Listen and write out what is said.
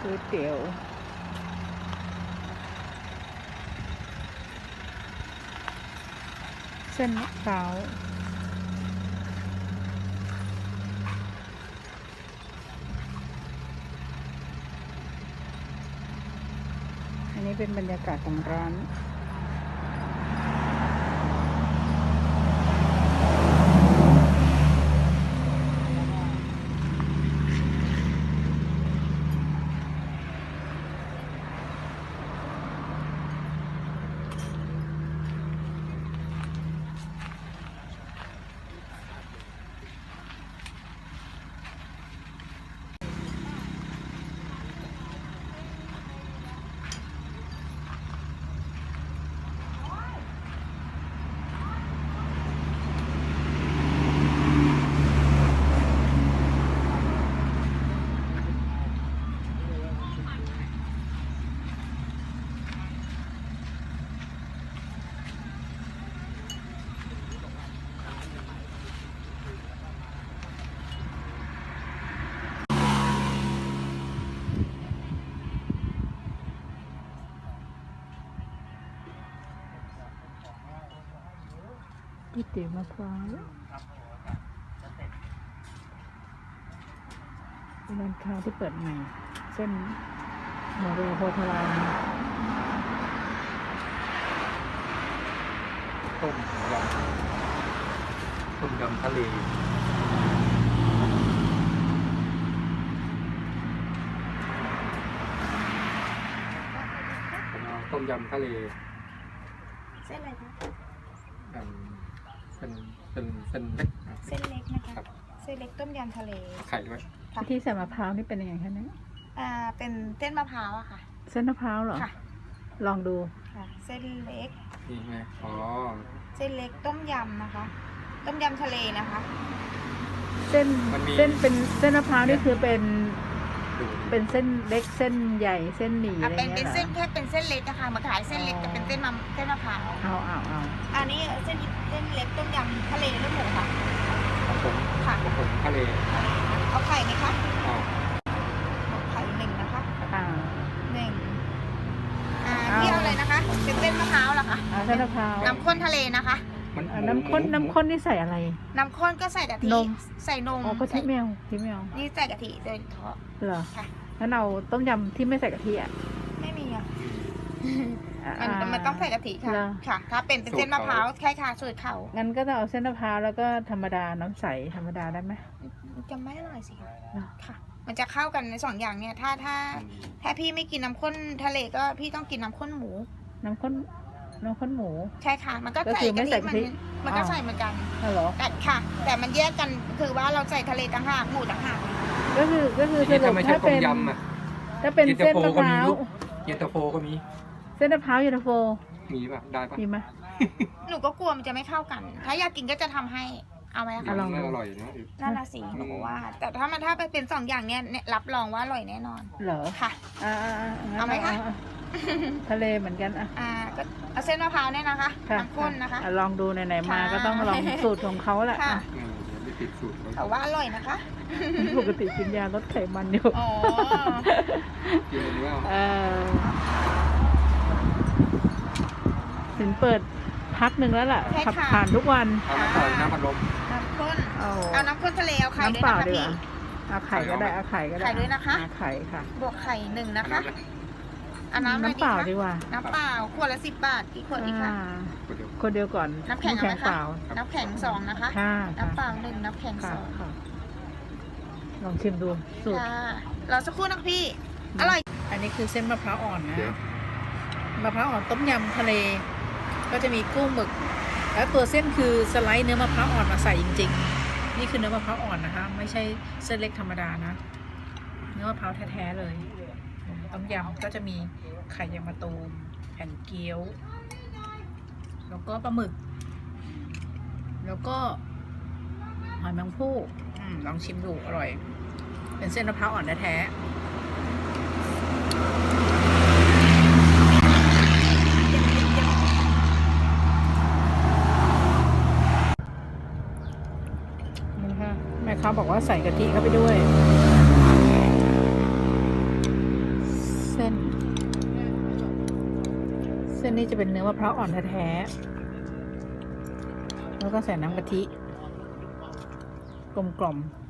ก๋วยเตี๋ยวเส้นมะพร้าวอันนี้เป็นบรรยากาศของร้านก๋วยเตี๋ยวมะพร้าวเป็นร้านค้าที่เปิดใหม่เส้นหมูเรือโพธารามต้มยำทะเลผมเอาต้มยำทะเลเส้นอะไรคะเป็นเล็กเส้นเล็กนะคะครับเส้นเล็กต้มยำทะเลไข่ด้วยค่ะที่ใส่มะพร้าวนี่เป็นยังไงคะเนี่ยเป็นเส้นมะพร้าวอะค่ะเส้นมะพร้าวเหรอค่ะลองดูค่ะ เส้นเล็กนี่ไงอ๋อเส้นเล็กต้มยำนะคะ ต้มยำทะเลนะคะเส้นเป็นเส้นมะพร้าวนี่คือเป็นดูเป็นเส้นเล็กเส้นใหญ่เส้นหมี่อะไรเป็นเงี้ยเหรเส้อนแค่เป็นเส้นเล็กนะคะมาขายเส้นเล็กแต่เป็นเส้นมะพร้าวเอาอันนี้เส้นเล็กต้มยำทะเลลูกหมูค่ะของผมค่ะของผมทะเลเอาไข่ไหมคะอ๋อเอาไข่หนึ่งนะคะอ่าหนึ่งพี่เอาอะไรนะคะ เป็นเส้นมะพร้าวเหรอคะเส้นมะพร้าวน้ำข้นทะเลนะคะน้ำข้นนี่ใส่อะไรน้ำข้นก็ใส่กะทินมใส่นมอ๋อก็ที่แมวนี่ใส่กะทิโดยเฉพาะเหรอค่ะงั้นเอาต้มยำที่ไม่ใส่กะทิอ่ะไม่มีอ่ะอ่ามันต้องใส่กะทิค่ะเหรอค่ะ ถ้าเป็นเส้นมะพร้าวแค่ค่ะสูตรเขางั้นก็ต้องเอาเส้นมะพร้าวแล้วก็ธรรมดาน้ำใสธรรมดาได้ไหมจะไม่อร่อยสิคะเหรอค่ะ มันจะเข้ากันในสองอย่างเนี่ย ถ้าพี่ไม่กินน้ำข้นทะเลก็พี่ต้องกินน้ำข้นหมูน้ำข้นหมูใช่ค่ะ มันก็ก็ใส่คือไม่กะใส่ทิกะทิมันก็ใส่เหมือนกันอ๋อเหรอแต่ค่ะ แต่มันแยกกันคือว่าเราใส่ทะเลต่างหากหมูต่างหากก็คือสนี่รุถ้าปไม่ใช่ถ้าต้เป็มนยำอ่ะถ้าเป็นเส้นมะพร้าวเย็นตาโฟก็มีเส้นมะพร้าวเย็นตาโฟมีป่ะได้ป่ะมีไหมหนูก็กลัวมันจะไม่เข้ากัน ถ้าอยากกินก็จะทำให้ เอาไหมอ่ะคะลองดูอร่อยนะน่าละสีหนูว่า แต่ถ้าไปเป็นสองอย่างเนี่ยรับรองว่าอร่อยแน่นอนเหรอค่ะงั้นเอาไหมคะทะเลเหมือนกันอ่ะก็เอาเส้นมะพร้าวเนี่ยนะคะค่ะน้ำข้นนะคะลองดูไหนๆมาค่ะก็ต้องลองสูตรของเขาแหละค่ะอ่ะเดี๋ยวไม่ติดสูตรแต่ว่าอร่อยนะคะปกติกินยาลดไขมันอยู่อ๋อกินอันนี้เอาถึงเปิดพักหนึ่งแล้วล่ะใช่ขับค่ะผ่านทุกวันเอามาต่อยน้ำพัดลมน้ำข้นเอาเอาน้ำข้นทะเลเอาไข่ด้วยน้ำเปล่านะคะดีกพี่ว่าเอาไข่ก็ได้เอาไข่ก็ได้ไข่ด้วยนะคะเอาไข่ค่ะบวกไข่หนึ่งนะคะเอาน้ำอะไรน้ำดีเปล่าคะดีกว่าน้ำเปล่าขวดละ10 บาทกี่ขวดดีคะคนเดียวก่อนน้ำแข็งเอาไหมเปคะล่าน้ำแข็ง2นะคะค่ะน้ำเปล่า1น้ำแข็งค่ะ 2 ค่ะลองชิมดูสูตรค่ะเราสักครู่นะพี่ อร่อยอันนี้คือเส้นมะพร้าวอ่อนนะเดี๋ยวมะพร้าวอ่อนต้มยำทะเล ก็จะมีกุ้งหมึก แล้วตัวเส้นคือสไลด์เนื้อมะพร้าวอ่อนมาใส่จริงๆ นี่คือเนื้อมะพร้าวอ่อนนะคะ ไม่ใช่เส้นเล็กธรรมดานะ เนื้อมะพร้าวแท้ๆเลยต้มยำก็จะมีไข่ยางมะตูมแผ่นเกี๊ยว แล้วก็ปลาหมึก แล้วก็หอยแมงภู่ลองชิมดูอร่อย เป็นเส้นมะพร้าวอ่อนแท้ๆนะคะแม่ค้าบอกว่าใส่กะทิเข้าไปด้วยนี่จะเป็นเนื้อมะพร้าวอ่อนแท้ๆแล้วก็ใส่น้ำกะทิกลมๆ